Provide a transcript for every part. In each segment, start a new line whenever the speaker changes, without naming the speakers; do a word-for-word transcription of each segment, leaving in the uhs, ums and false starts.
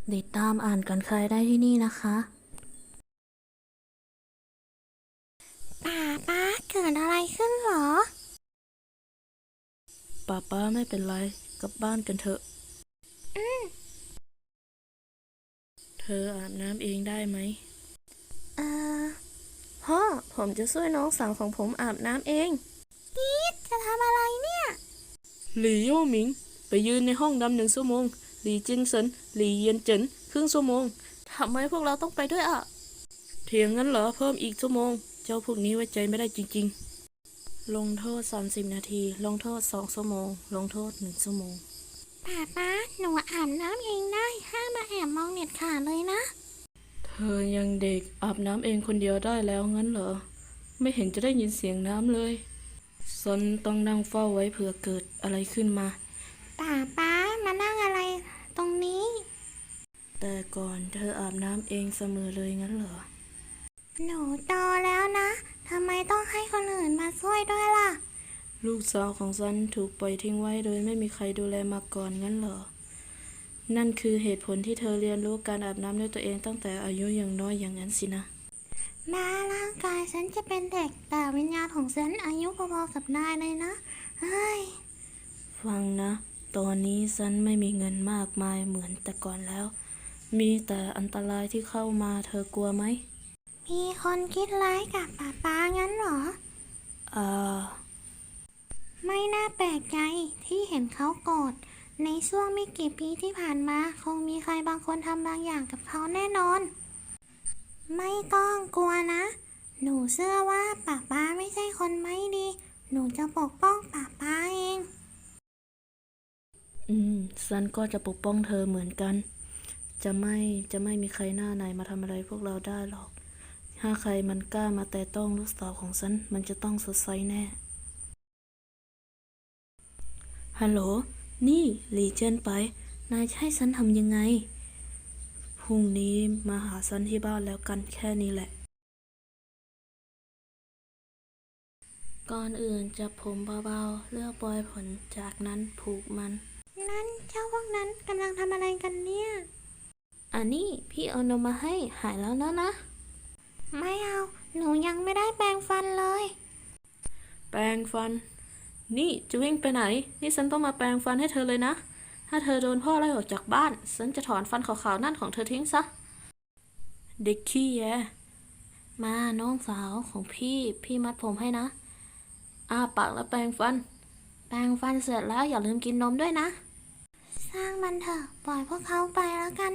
ติดตามอ่านกันใครได้ที่นี่นะคะ
ป่าป้าเกิดอะไรขึ้นเหรอ
ป้าป้าไม่เป็นไรกลับบ้านกันเถอะเธออาบน้ำเองได้ไหม
เออ
พ่อผมจะช่วยน้องสาวของผมอาบน้ำเอง
อีทจะทำอะไรเนี่ย
หลี่โย่หมิงไปยืนในห้องดำหนึ่งชั่วโมงหลี่จินเซินหลี่เยียนเจินครึ่งชั่วโมงทำไมพวกเราต้องไปด้วยอ่ะเถียงงั้นเหรอเพิ่มอีกชั่วโมงเจ้าพวกนี้ไว้ใจไม่ได้จริงๆลงโทษสามสิบนาทีลงโทษสองชั่วโมงลงโทษหนึ่งชั่วโมง
ป่าป้าหนูอาบน้ำเองได้ห้ามมาแอบมองเน็ตขาดเลยนะ
เธอยังเด็กอาบน้ำเองคนเดียวได้แล้วงั้นเหรอไม่เห็นจะได้ยินเสียงน้ำเลยซนต้องนั่งเฝ้าไว้เผื่อเกิดอะไรขึ้นมา
ป่าป้ามานั่งอะไรตรงนี้
แต่ก่อนเธออาบน้ำเองเสมอเลยงั้นเหรอ
หนูโตแล้วนะทำไมต้องให้คนอื่นมาช่วยด้วยล่ะ
ลูกสาวของฉันถูกปล่อยทิ้งไว้โดยไม่มีใครดูแลมาก่อนงั้นเหรอนั่นคือเหตุผลที่เธอเรียนรู้การอาบน้ำด้วยตัวเองตั้งแต่อายุยังน้อยอย่างนั้นสินะ
แม้ร่างกายฉันจะเป็นเด็กแต่วิญญาณของฉันอายุพอๆกับนายเลยนะเฮ้ย
ฟังนะตอนนี้ฉันไม่มีเงินมากมายเหมือนแต่ก่อนแล้วมีแต่อันตรายที่เข้ามาเธอกลัวไหม
มีคนคิดร้ายกับป่าป้างั้นเหรอ
อ่า
ไม่น่าแปลกใจที่เห็นเขาโกรธในช่วงไม่กี่ปีที่ผ่านมาคงมีใครบางคนทำบางอย่างกับเขาแน่นอนไม่ต้องกลัวนะหนูเชื่อว่าป้าป้าไม่ใช่คนไม่ดีหนูจะปกป้องป้าป้าเอง
อืมฉันก็จะปกป้องเธอเหมือนกัน จะไม่จะไม่มีใครหน้าไหนมาทำอะไรพวกเราได้หรอก ถ้าใครมันกล้ามาแตะต้องลูกสาวของฉัน มันจะต้องสดใสแน่ ฮัลโหล นี่หลีเจิ้นไป นายจะให้ฉันทำยังไง พรุ่งนี้มาหาฉันที่บ้านแล้วกันแค่นี้แหละ ก่อนอื่นจับผมเบาๆ เลือกปลอยผลจากนั้นผูกมัน
นั่นเจ้าพวกนั้นกำลังทำอะไรกันเนี่ย
อันนี้พี่เอานมมาให้หายแล้วนะนะ
ไม่เอาหนูยังไม่ได้แปรงฟันเลย
แปรงฟัน นี่จะวิ่งไปไหน นี่ฉันต้องมาแปรงฟันให้เธอเลยนะ ถ้าเธอโดนพ่อไล่ออกจากบ้าน ฉันจะถอนฟันขาวๆนั่นของเธอทิ้งซะ เด็กขี้แยมาน้องสาวของพี่ พี่มัดผมให้นะอ้าปากแล้วแปรงฟัน แปรงฟันเสร็จแล้วอย่าลืมกินนมด้วยนะ
สร้างมันเถอะปล่อยพวกเขาไปแล้วกัน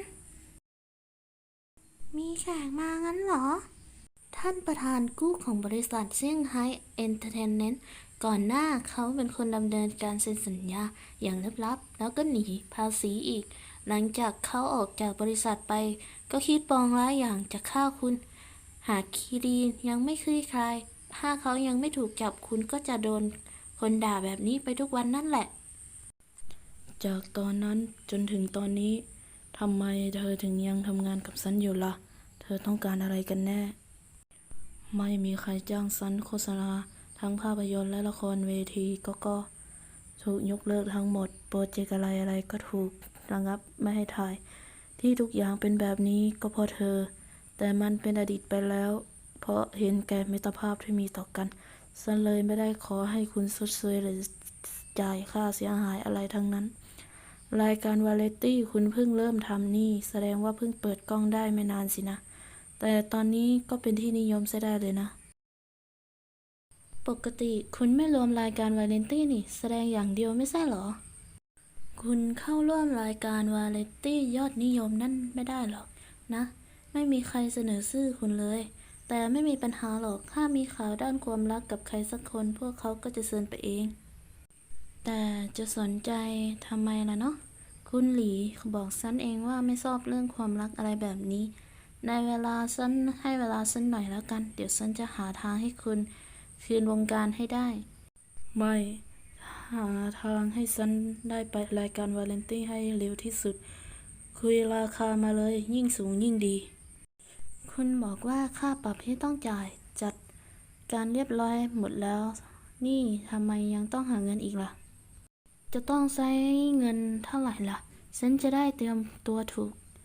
มีแขกมางั้นเหรอ
ท่านประธานกู้ของบริษัทเซี่ยงไฮ้เอนเตอร์เทนเมนต์ก่อนหน้าเขาเป็นคนดำเนินการเซ็นสัญญาอย่างลับๆแล้วก็หนีภาษีอีก หลังจากเขาออกจากบริษัทไป ก็คิดปองร้ายอย่างจะฆ่าคุณ หากคีรีนยังไม่คลี่คลาย ถ้าเขายังไม่ถูกจับคุณก็จะโดนคนด่าแบบนี้ไปทุกวันนั่นแหละ จากตอนนั้นจนถึงตอนนี้ทำไมเธอถึงยังทำงานกับฉันอยู่ล่ะ เธอต้องการอะไรกันแน่ ไม่มีใครจ้างฉันโฆษณาทั้งภาพยนตร์และละครเวทีก็ก็ถูกยกเลิกทั้งหมดโปรเจกต์อะไรอะไรก็ถูกระงับไม่ให้ถ่ายที่ทุกอย่างเป็นแบบนี้ก็เพราะเธอแต่มันเป็นอดีตไปแล้วเพราะเห็นแก่มิตรภาพที่มีต่อกันฉันเลยไม่ได้ขอให้คุณชดเชยหรือจ่ายค่าเสียหายอะไรทั้งนั้นรายการวาไรตี้คุณเพิ่งเริ่มทำนี่แสดงว่าเพิ่งเปิดกล้องได้ไม่นานสินะแต่ตอนนี้ก็เป็นที่นิยมใช้ได้เลยนะ ปกติคุณไม่รวมรายการวาไรตี้นี่แสดงอย่างเดียวไม่ใช่เหรอ คุณเข้าร่วมรายการวาไรตี้ยอดนิยมนั่นไม่ได้หรอกนะ ไม่มีใครเสนอชื่อคุณเลย แต่ไม่มีปัญหาหรอก ถ้ามีข่าวด้านความรักกับใครสักคนพวกเขาก็จะเชิญไปเอง แต่จะสนใจทำไมล่ะเนาะคุณหลีบอกฉันเองว่าไม่ชอบเรื่องความรักอะไรแบบนี้ ในเวลาฉันให้เวลาฉันหน่อยแล้วกัน เดี๋ยวฉันจะหาทางให้คุณคืนวงการให้ได้ ไม่หาทางให้ฉันได้ไปรายการวาไรตี้ให้เร็วที่สุด คุยราคามาเลยยิ่งสูงยิ่งดี คุณบอกว่าค่าปรับที่ต้องจ่ายจัดการเรียบร้อยหมดแล้ว นี่ทำไมยังต้องหาเงินอีกล่ะ จะต้องใช้เงินเท่าไหร่ล่ะ ฉันจะได้เตรียมตัวถูก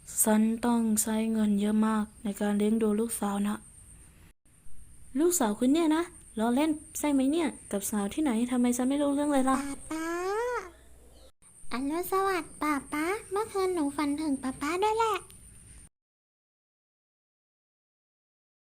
ฉันต้องใช้เงินเยอะมากในการเลี้ยงดูลูกสาวนะลูกสาวคุณเนี่ยนะล้อเล่นใช่ไหมเนี่ยกับสาวที่ไหนทำไมฉันไม่รู้เรื่องเลยล่ะ
ป๊าป๊าอรุณสวัสดิ์ป๊าป๊าเมื่อคืนหนูฝันถึงป๊าป๊าด้วยแหละ